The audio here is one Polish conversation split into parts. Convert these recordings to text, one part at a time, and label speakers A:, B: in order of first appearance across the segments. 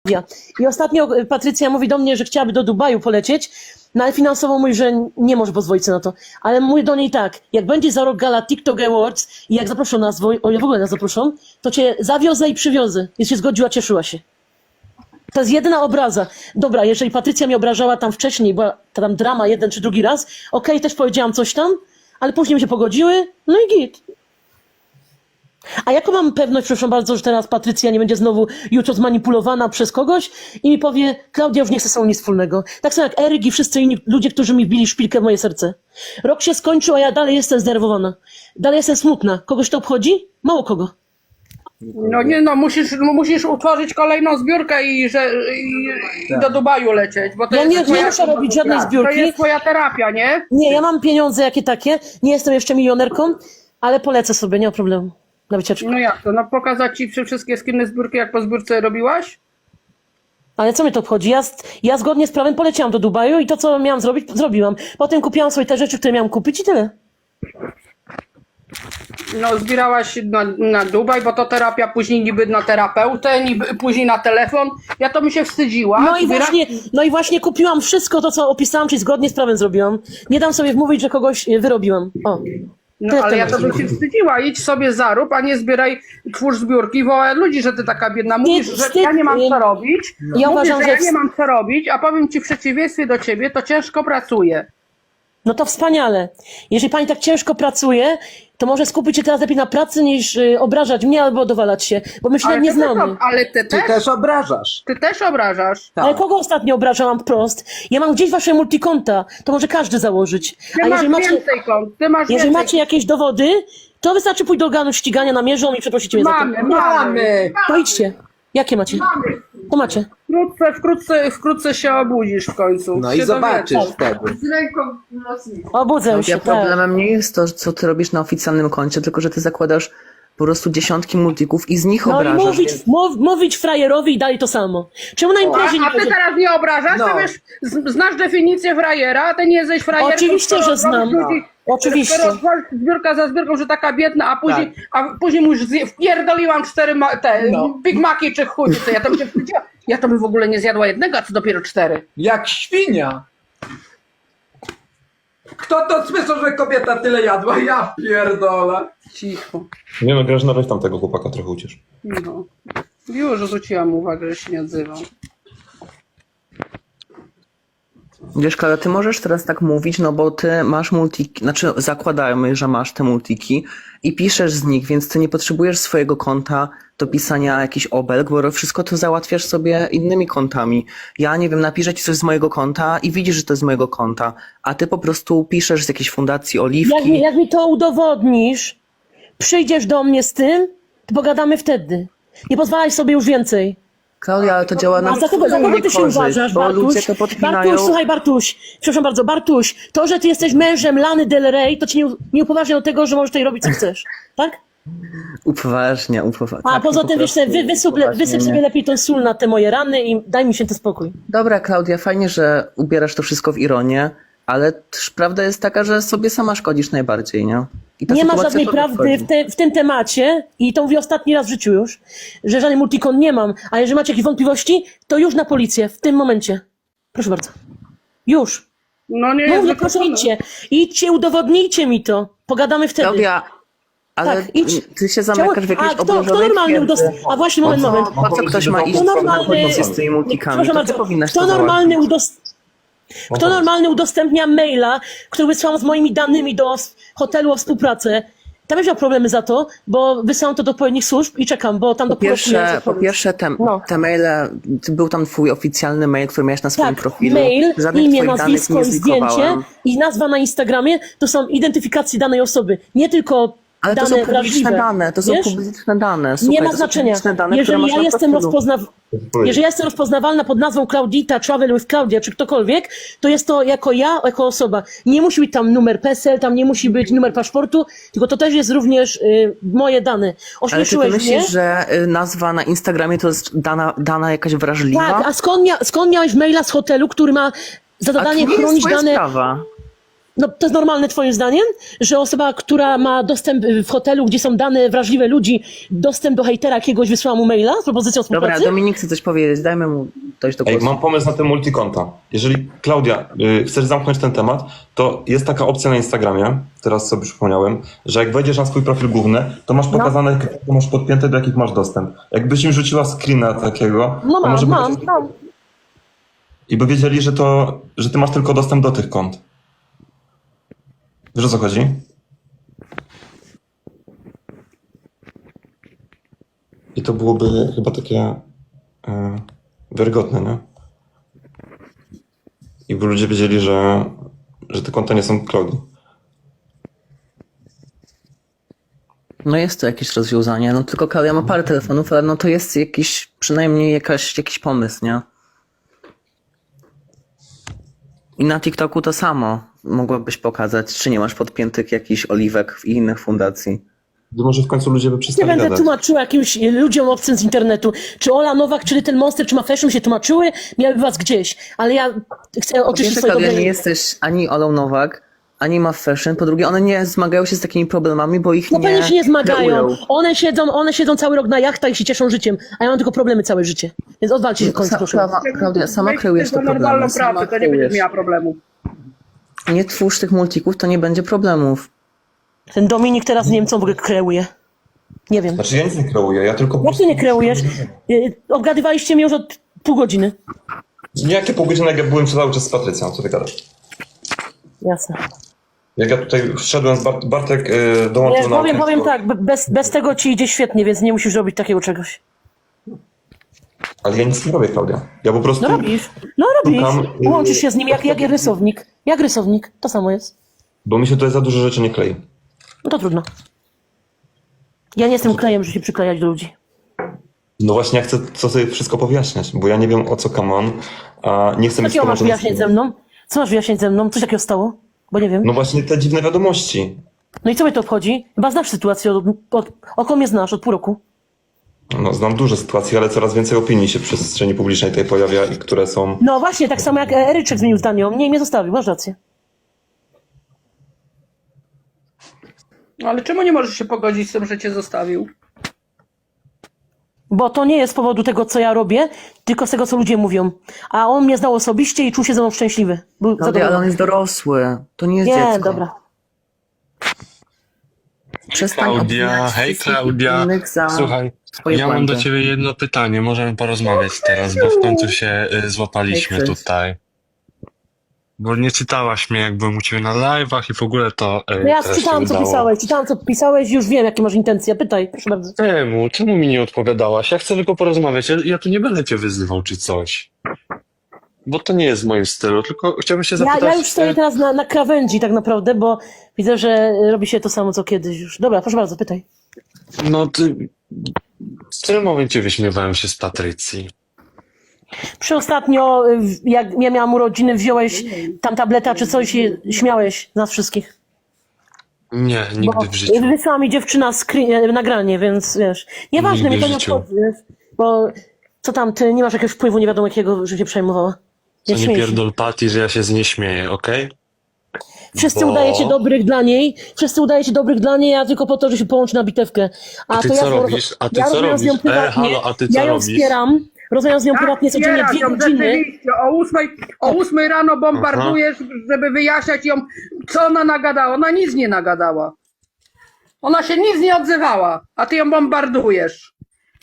A: I ostatnio Patrycja mówi do mnie, że chciałaby do Dubaju polecieć, no ale finansowo mówi, że nie może pozwolić sobie na to. Ale mówię do niej tak, jak będzie za rok gala TikTok Awards i jak zaproszą nas, o ile w ogóle nas zaproszą, to cię zawiozę i przywiozę. Jest się zgodziła, cieszyła się. To jest jedyna obraza. Dobra, jeżeli Patrycja mnie obrażała tam wcześniej, była tam drama jeden czy drugi raz, okej, też powiedziałam coś tam, ale później mi się pogodziły, no i git. A jaką mam pewność, proszę bardzo, że teraz Patrycja nie będzie znowu jutro zmanipulowana przez kogoś i mi powie, Klaudia już nie chce ze sobą nic wspólnego. Tak samo jak Eryk i wszyscy inni ludzie, którzy mi wbili szpilkę w moje serce. Rok się skończył, a ja dalej jestem zdenerwowana. Dalej jestem smutna. Kogoś to obchodzi? Mało kogo.
B: No nie no, musisz utworzyć kolejną zbiórkę i do Dubaju lecieć, bo to
A: Ja
B: jest
A: nie muszę robić żadnej
B: To
A: zbiórki.
B: jest twoja terapia, nie?
A: Nie, ja mam pieniądze jakie takie, nie jestem jeszcze milionerką, ale polecę sobie, nie ma problemu. Na wycieczkę.
B: No jak to? No pokazać ci wszystkie skinne zbiórki, jak po zbiórce robiłaś?
A: Ale co mnie to obchodzi? Ja zgodnie z prawem poleciałam do Dubaju i to, co miałam zrobić, zrobiłam. Potem kupiłam sobie te rzeczy, które miałam kupić i tyle.
B: No zbierałaś na Dubaj, bo to terapia później niby na terapeutę, niby później na telefon. Ja to mi się wstydziła.
A: No i właśnie kupiłam wszystko to, co opisałam, czyli zgodnie z prawem zrobiłam. Nie dam sobie wmówić, że kogoś wyrobiłam. O.
B: No ale ja to bym się wstydziła. Idź sobie zarób, a nie zbieraj, twórz zbiórki, wołaj ludzi, że ty taka biedna. Mówisz, że ja nie mam co robić.
A: Ja
B: Mówisz,
A: uważam,
B: że ja nie mam co robić, a powiem ci w przeciwieństwie do ciebie, to ciężko pracuję.
A: No to wspaniale. Jeżeli pani tak ciężko pracuje, to może skupić się teraz lepiej na pracy, niż obrażać mnie albo dowalać się, bo my się nawet nie znamy.
B: Ale ty też
C: obrażasz.
B: Ty też obrażasz.
C: Tak.
A: Ale kogo ostatnio obrażałam wprost? Ja mam gdzieś wasze multikonta, to może każdy założyć.
B: Ty
A: A
B: masz
A: jeżeli
B: więcej kont. Ty masz
A: jeżeli
B: więcej
A: macie jakieś dowody, to wystarczy pójść do organu ścigania, namierzą i przeprosicie mnie za to.
C: Mamy.
A: To idźcie. Jakie macie? To macie.
B: Wkrótce się obudzisz w końcu.
C: No
B: się
C: i zobaczysz
B: dowiesz.
C: wtedy.
D: Z ręką mocniej.
A: Obudzę się,
E: Ja
A: tak.
E: problemem nie jest to, co ty robisz na oficjalnym koncie, tylko że ty zakładasz po prostu dziesiątki multików i z nich
A: No i
E: obrażasz.
A: mówić frajerowi i dalej to samo. Czemu na imprezie nie
B: A ty
A: będzie...
B: teraz nie obrażasz?
C: No.
B: Ty wiesz, znasz definicję frajera, a ty nie jesteś frajerem.
A: Oczywiście, że znam. Oczywiście.
B: Skoro zbiórka za zbiórką, że taka biedna, a później mu już wpierdoliłam 4 Big Maci czy chuj, co ja to bym się wstydziła. Ja to bym w ogóle nie zjadła jednego, a co dopiero 4.
C: Jak świnia. Kto to słyszał, że kobieta tyle jadła? Ja pierdolę.
B: Cicho.
F: Nie no, Grażyna, weź tam tego chłopaka trochę uciesz.
B: No. Już zwróciłam uwagę, że się nie odzywam.
E: Wiesz, Klaudia, ty możesz teraz tak mówić, no bo ty masz multiki, znaczy zakładajmy, że masz te multiki i piszesz z nich, więc ty nie potrzebujesz swojego konta do pisania jakichś obelg, bo wszystko to załatwiasz sobie innymi kontami. Ja nie wiem, napiszę ci coś z mojego konta i widzisz, że to jest z mojego konta, a ty po prostu piszesz z jakiejś fundacji Oliwki.
A: Jak mi to udowodnisz, przyjdziesz do mnie z tym, to pogadamy wtedy. Nie pozwalaj sobie już więcej.
E: Klaudia, ale to działa na
A: A za kogo ty się uważasz,
E: bo ludzie
A: Bartuś?
E: to podpinają.
A: Bartuś, słuchaj, Bartuś, przepraszam bardzo, Bartuś, to, że ty jesteś mężem Lany Del Rey, to ci nie upoważnia do tego, że możesz tutaj robić, co chcesz, tak?
E: Upoważnia.
A: A
E: Tak,
A: poza
E: po
A: tym, wiesz,
E: prostu
A: wysyp sobie lepiej tą sól na te moje rany i daj mi się ten spokój.
E: Dobra, Klaudia, fajnie, że ubierasz to wszystko w ironię, ale też prawda jest taka, że sobie sama szkodzisz najbardziej, nie? I ta
A: Nie ma
E: sytuacja
A: żadnej
E: tobie
A: prawdy
E: szkodzi.
A: w tym temacie i to mówię ostatni raz w życiu już, że żadnej multikon nie mam, a jeżeli macie jakieś wątpliwości, to już na policję, w tym momencie. Proszę bardzo. Już.
B: No nie
A: Mówię,
B: jest
A: proszę,
B: wykluczone.
A: idźcie, udowodnijcie mi to. Pogadamy wtedy.
E: Klaudia, ale
A: Tak, idź.
E: ty się zamykasz w jakiejś
A: kto
E: obozowej
A: normalny
E: twierdzy.
A: A właśnie, moment.
E: Po co ktoś ma iść
A: Kto normalny,
E: z tymi multikami?
A: proszę
E: To ty
A: bardzo,
E: powinnaś
A: kto
E: to
A: normalny,
E: załatwić.
A: kto normalny udostępnia maila, który wysłałam z moimi danymi do hotelu o współpracę? Tam już miał problemy za to, bo wysyłam to do odpowiednich służb i czekam, bo tam do
E: Po pierwsze te maile, był tam twój oficjalny mail, który miałeś na swoim
A: Tak,
E: profilu.
A: mail,
E: Żadnych
A: imię,
E: twoich danych
A: nazwisko
E: nie
A: i zdjęcie
E: zlikowałem.
A: i nazwa na Instagramie to są identyfikacje danej osoby. Nie tylko
E: Ale to
A: dane
E: są publiczne
A: wrażliwe.
E: dane, to są
A: Wiesz?
E: publiczne dane.
A: Nie
E: Słuchaj,
A: ma
E: to są
A: znaczenia.
E: publiczne dane, które
A: Jeżeli
E: masz
A: ja,
E: na
A: jestem
E: profilu.
A: jeżeli ja jestem rozpoznawalna pod nazwą Klaudita, Travel with Claudia, czy ktokolwiek, to jest to jako ja, jako osoba. Nie musi być tam numer PESEL, tam nie musi być numer paszportu, tylko to też jest również moje dane.
E: Ale czy ty
A: Ośmieszyłeś mnie.
E: myślisz, że nazwa na Instagramie to jest dana jakaś wrażliwa?
A: Tak, a skąd miałeś maila z hotelu, który ma za
E: A to
A: zadanie
E: nie jest
A: chronić
E: twoja
A: dane...
E: sprawa.
A: No to jest normalne twoim zdaniem, że osoba, która ma dostęp w hotelu, gdzie są dane wrażliwe ludzi, dostęp do hejtera jakiegoś wysłała mu maila z propozycją
E: Dobra,
A: współpracy?
E: Dominik chce coś powiedzieć, dajmy mu dojść do
F: Ej,
E: głosu.
F: mam pomysł na te multikonta. Jeżeli, Klaudia, chcesz zamknąć ten temat, to jest taka opcja na Instagramie, teraz sobie przypomniałem, że jak wejdziesz na swój profil główny, to masz pokazane, jakie masz podpięte, do jakich masz dostęp. Jakbyś im rzuciła screena takiego,
A: No
F: to może
A: mam.
F: I by wiedzieli, że ty masz tylko dostęp do tych kont. Wiesz, o co chodzi? I to byłoby chyba takie wiarygodne, nie? I by ludzie wiedzieli, że te konta nie są Klaudii.
E: No jest to jakieś rozwiązanie, no tylko Klaudia ma parę telefonów, ale no to jest jakiś, przynajmniej jakiś pomysł, nie? I na TikToku to samo mogłabyś pokazać, czy nie masz podpiętych jakichś oliwek w innych fundacji.
F: To może w końcu ludzie by
A: Nie
F: przestali
A: będę
F: gadać.
A: tłumaczyła jakimś ludziom obcym z internetu, czy Ola Nowak, czy ten Monster, czy Mafeszyn się tłumaczyły, miałyby was gdzieś, ale ja chcę oczyścić
E: Pierwsze,
A: swoje
E: Klaudia,
A: dobre...
E: nie jesteś ani Olą Nowak, ani ma fashion. Po drugie, one nie zmagają się z takimi problemami, bo ich
A: No pewnie się nie zmagają.
E: kreują.
A: One siedzą cały rok na jachtach i się cieszą życiem, a ja mam tylko problemy całe życie. Więc odwalcie się w końcu, proszę.
E: Klaudia, sama kreujesz te
B: Weź normalną
E: problemy. Sama
B: pracę, to nie będziesz
E: kreujesz.
B: miała problemu.
E: Nie twórz tych multików, to nie będzie problemów.
A: Ten Dominik teraz nie wiem, co w ogóle kreuje. Nie wiem.
F: Znaczy ja nic nie kreuję, ja tylko...
A: Jak ty nie kreujesz? Obgadywaliście mnie już od pół godziny.
F: Nie, jakie pół godziny, jak ja byłem cały czas z Patrycją, co ty gadasz?
A: Jasne.
F: Jak ja tutaj wszedłem z Bartek dołączył
A: Nie,
F: na
A: powiem
F: okienko.
A: tak, bez tego ci idzie świetnie, więc nie musisz robić takiego czegoś.
F: Ale ja nic nie robię, Klaudia. Ja po prostu...
A: No robisz.
F: Szukam,
A: Łączysz się z nim jak rysownik. Jak rysownik, to samo jest.
F: Bo mi się tutaj za dużo rzeczy nie klei.
A: No to trudno. Ja nie jestem klejem, żeby się przyklejać do ludzi.
F: No właśnie, ja chcę co sobie wszystko powyjaśniać, bo ja nie wiem, o co come on, a nie chcę
A: Co
F: mieć
A: takiego masz
F: tłumaczenia.
A: wyjaśnić ze mną? Co masz wyjaśnić ze mną? Coś takiego stało? Bo nie wiem.
F: No właśnie te dziwne wiadomości.
A: No i co mnie to obchodzi? Chyba znasz sytuację, około mnie znasz, od pół roku.
F: No, znam duże sytuacje, ale coraz więcej opinii się w przestrzeni publicznej tutaj pojawia i które są...
A: No właśnie, tak samo jak Eryczek zmienił zdanie o mnie i mnie zostawił, masz rację.
B: No ale czemu nie możesz się pogodzić z tym, że cię zostawił?
A: Bo to nie jest z powodu tego, co ja robię, tylko z tego, co ludzie mówią. A on mnie znał osobiście i czuł się ze mną szczęśliwy. Był
E: Klaudia, ale on
A: zadowolony.
E: jest dorosły. To nie jest
A: Nie,
E: dziecko.
A: dobra.
E: Przestań
D: Klaudia,
E: obwiniać
D: hej
E: wszystkich
D: Klaudia.
E: innych za
D: Słuchaj,
E: swoje
D: ja mam
E: błędy.
D: do ciebie jedno pytanie. Możemy porozmawiać teraz, bo w końcu się złapaliśmy
E: Hej, Chris.
D: tutaj. Bo nie czytałaś mnie, jak byłem u ciebie na live'ach i w ogóle to
A: No ja
D: teraz się
A: czytałam, co
D: udało.
A: pisałeś, i już wiem, jakie masz intencje. Pytaj, proszę bardzo.
D: Czemu mi nie odpowiadałaś? Ja chcę tylko porozmawiać. Ja tu nie będę cię wyzywał czy coś. Bo to nie jest w moim stylu, tylko chciałbym się zapytać...
A: Ja już stoję teraz na krawędzi tak naprawdę, bo widzę, że robi się to samo, co kiedyś już. Dobra, proszę bardzo, pytaj.
D: No ty... W którym momencie wyśmiewałem się z Patrycji?
A: Ostatnio, jak ja miałam urodziny, wziąłeś tam tableta czy coś i śmiałeś nas wszystkich.
D: Nie, nigdy
A: Bo
D: w życiu.
A: wysłała mi dziewczyna nagranie, więc wiesz. Nieważne,
D: Nigdy
A: mnie to
D: w
A: nie
D: życiu.
A: obchodzi, wiesz. Bo co tam, ty nie masz jakiegoś wpływu nie wiadomo jakiego, że cię przejmowała.
D: Co nie
A: śmiej się.
D: pierdol Patty, że ja się z niej śmieję, okej?
A: Wszyscy
D: Bo-
A: udajecie dobrych dla niej, a tylko po to, że się połączy na bitewkę.
D: A ty
A: to
D: co
A: ja
D: robisz? A ty
A: ja
D: co
A: rozmawiam z nią
D: robisz?
A: prywatnie,
D: Halo, a ty
A: ja
D: co
A: ją
D: robisz?
A: wspieram, rozmawiam z nią prywatnie codziennie
B: Tak,
A: 2 godziny.
B: rzeczywiście. O 8 rano bombardujesz, żeby wyjaśniać ją, co ona nagadała. Ona nic nie nagadała. Ona się nic nie odzywała, a ty ją bombardujesz.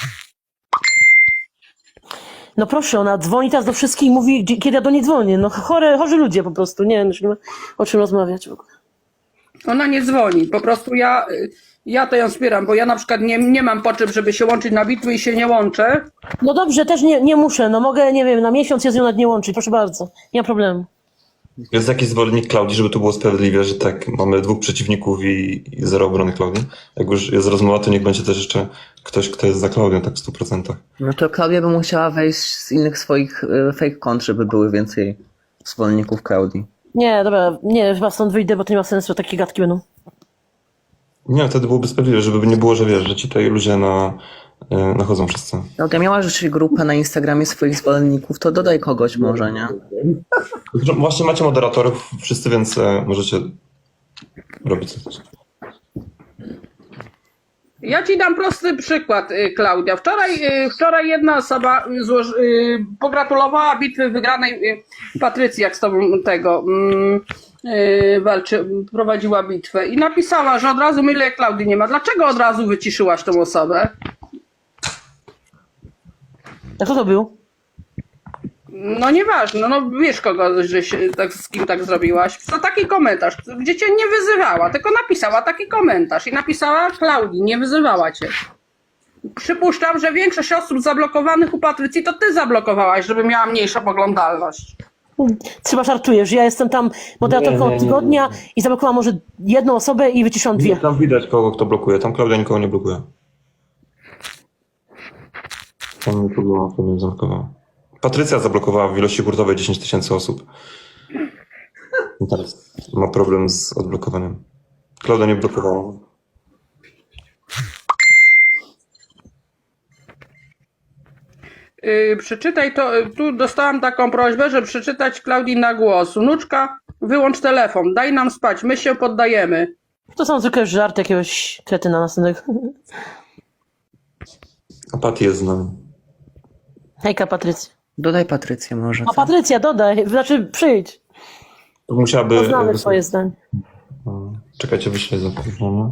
A: No proszę, ona dzwoni teraz do wszystkich i mówi, kiedy ja do niej dzwonię. No chorzy ludzie po prostu, nie wiem, już nie ma o czym rozmawiać w ogóle.
B: Ona nie dzwoni, po prostu ja to ją wspieram, bo ja na przykład nie mam potrzeb, żeby się łączyć na bitwy i się nie łączę.
A: No dobrze, też nie muszę, no mogę, nie wiem, na miesiąc się z nią nawet nie łączyć, proszę bardzo, nie ma problemu.
F: Jest jakiś zwolennik Klaudii, żeby to było sprawiedliwe, że tak, mamy dwóch przeciwników i zero obrony Klaudii. Jak już jest rozmowa, to niech będzie też jeszcze ktoś, kto jest za Klaudią, tak w 100%.
E: No to Klaudia by musiała wejść z innych swoich fake kont, żeby były więcej zwolenników Klaudii.
A: Nie, dobra, nie, chyba stąd wyjdę, bo to nie ma sensu, takie gadki będą.
F: Nie, wtedy byłoby sprawiedliwe, żeby nie było, że wiesz, że ci tutaj ludzie nachodzą wszyscy.
E: Klaudia, miała rzeczywiście grupę na Instagramie swoich zwolenników, to dodaj kogoś może, nie?
F: Właśnie macie moderatorów wszyscy, więc możecie robić coś.
B: Ja ci dam prosty przykład, Klaudia. Wczoraj jedna osoba pogratulowała bitwy wygranej Patrycji, jak z tobą prowadziła bitwę i napisała, że od razu mylę Klaudii nie ma. Dlaczego od razu wyciszyłaś tą osobę?
A: A kto to był?
B: No nieważne, no wiesz kogo, z kim tak zrobiłaś. To taki komentarz, gdzie cię nie wyzywała, tylko napisała taki komentarz i napisała Klaudii, nie wyzywała cię. Przypuszczam, że większość osób zablokowanych u Patrycji to ty zablokowałaś, żeby miała mniejszą oglądalność.
A: Chyba żartujesz. Ja jestem tam moderatorką od tygodnia i zablokowałam może jedną osobę i wyciszyłam dwie.
F: Tam widać kogo kto blokuje. Tam Klaudia nikogo nie blokuje. Tam nikogo nie zablokowała. Patrycja zablokowała w ilości hurtowej 10 000 osób. I teraz ma problem z odblokowaniem. Klaudia nie blokowała.
B: Przeczytaj to, tu dostałam taką prośbę, żeby przeczytać Klaudii na głos. Wnuczka, wyłącz telefon, daj nam spać, my się poddajemy.
A: To są zwykle żart jakiegoś kretyna następnego.
F: A Pat jest z nami.
A: Hejka, Patrycja.
E: Dodaj Patrycję może.
A: A Patrycja, dodaj, znaczy przyjdź.
F: To musiałaby...
A: Poznamy twoje zdanie.
F: Czekajcie, wyślę zaproszenie.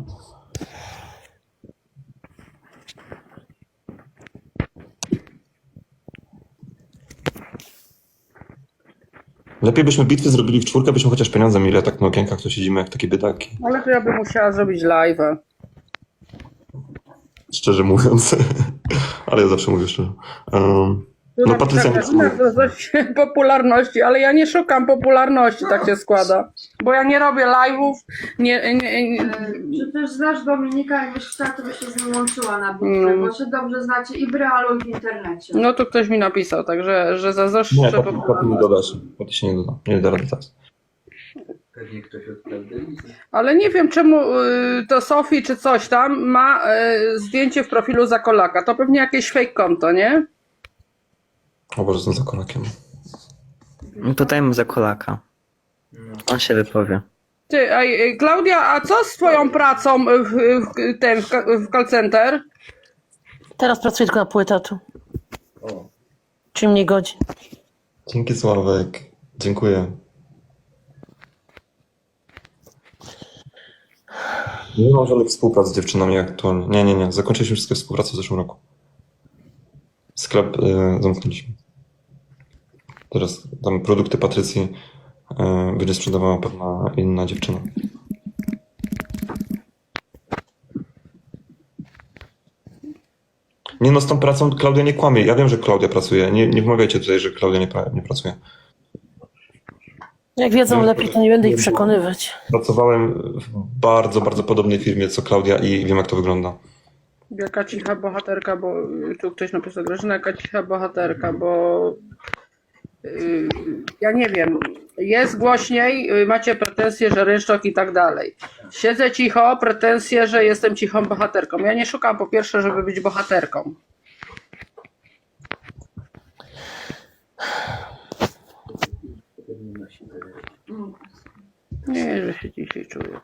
F: Lepiej byśmy bitwy zrobili w czwórkę, byśmy chociaż pieniądze mieli, a tak na okienkach to siedzimy jak takie biedaki.
B: Ale to ja bym musiała zrobić live'a.
F: Szczerze mówiąc. Ale ja zawsze mówię szczerze. No Patrycja nie...
B: Coś popularności, ale ja nie szukam popularności, tak się składa. Bo ja nie robię live'ów,
G: Czy też znasz Dominika, jakbyś chciała, to byś się z nim łączyła na bitwę, bo się dobrze znacie i w realu, i w internecie.
B: No to ktoś mi napisał, także że zazdroszczę
F: Nie, Paty nie
B: popularności.
F: dodasz. Paty się nie doda. Nie da rady teraz.
C: Pewnie ktoś od prawdy.
B: Ale nie wiem czemu to Sofii czy coś tam ma zdjęcie w profilu Zakolaka. To pewnie jakieś fake konto, nie?
F: O Boże, jestem za kolakiem.
E: Tutaj mu za kolaka. On się wypowie.
B: Ty, Klaudia, a co z twoją pracą w call center?
A: Teraz pracuję tylko na pół etatu. Czyli mniej godzin.
F: Dzięki Sławek. Dziękuję. Nie mam żadnych współprac z dziewczynami aktualnie. Nie. Zakończyliśmy wszystkie współprace w zeszłym roku. Sklep zamknęliśmy. Teraz tam produkty Patrycji będzie sprzedawała pewna inna dziewczyna. Nie no, z tą pracą Klaudia nie kłamie. Ja wiem, że Klaudia pracuje. Nie wmawiajcie tutaj, że Klaudia nie pracuje.
A: Jak wiedzą lepiej, to nie będę ich przekonywać.
F: Pracowałem w bardzo, bardzo podobnej firmie co Klaudia i wiem, jak to wygląda.
B: Jaka cicha bohaterka, bo tu ktoś napisał, Grażyna, jaka cicha bohaterka, bo ja nie wiem, jest głośniej, macie pretensje, że rynsztok i tak dalej. Siedzę cicho, pretensje, że jestem cichą bohaterką. Ja nie szukam po pierwsze, żeby być bohaterką. Nie, że się dzisiaj czuję.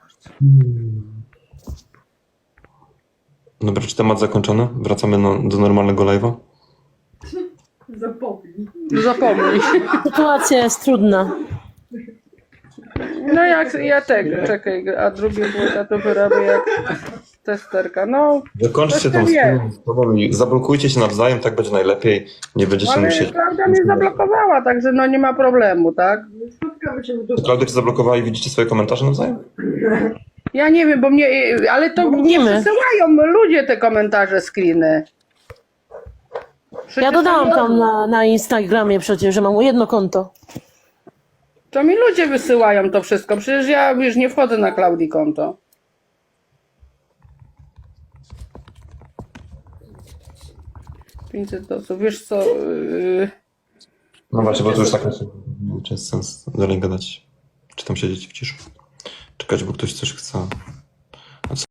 F: Dobra, czy temat zakończony? Wracamy do normalnego live'a?
B: Zapomnij.
A: Sytuacja jest trudna.
B: No jak ja tego, czekaj, a drugie było, ja to wyrabię jak testerka. No,
F: Zakończcie tą
B: wie.
F: sprawą i zablokujcie się nawzajem, tak będzie najlepiej. Nie będziecie
B: ale
F: musieli...
B: Klaudia mnie zablokowała, także no nie ma problemu, tak?
F: Klaudia cię zablokowała i widzicie swoje komentarze nawzajem?
B: Ja nie wiem, bo mnie, ale to mnie
A: widzimy.
B: przesyłają ludzie te komentarze, screeny. Przecież
A: Ja dodałam tam na Instagramie przecież, że mam jedno konto.
B: To mi ludzie wysyłają to wszystko, przecież ja już nie wchodzę na Klaudii konto. $500, wiesz co...
F: No właśnie, bo to już tak nie jest sens dalej gadać. Czy tam siedzieć w ciszy. Czekać, bo ktoś coś chce.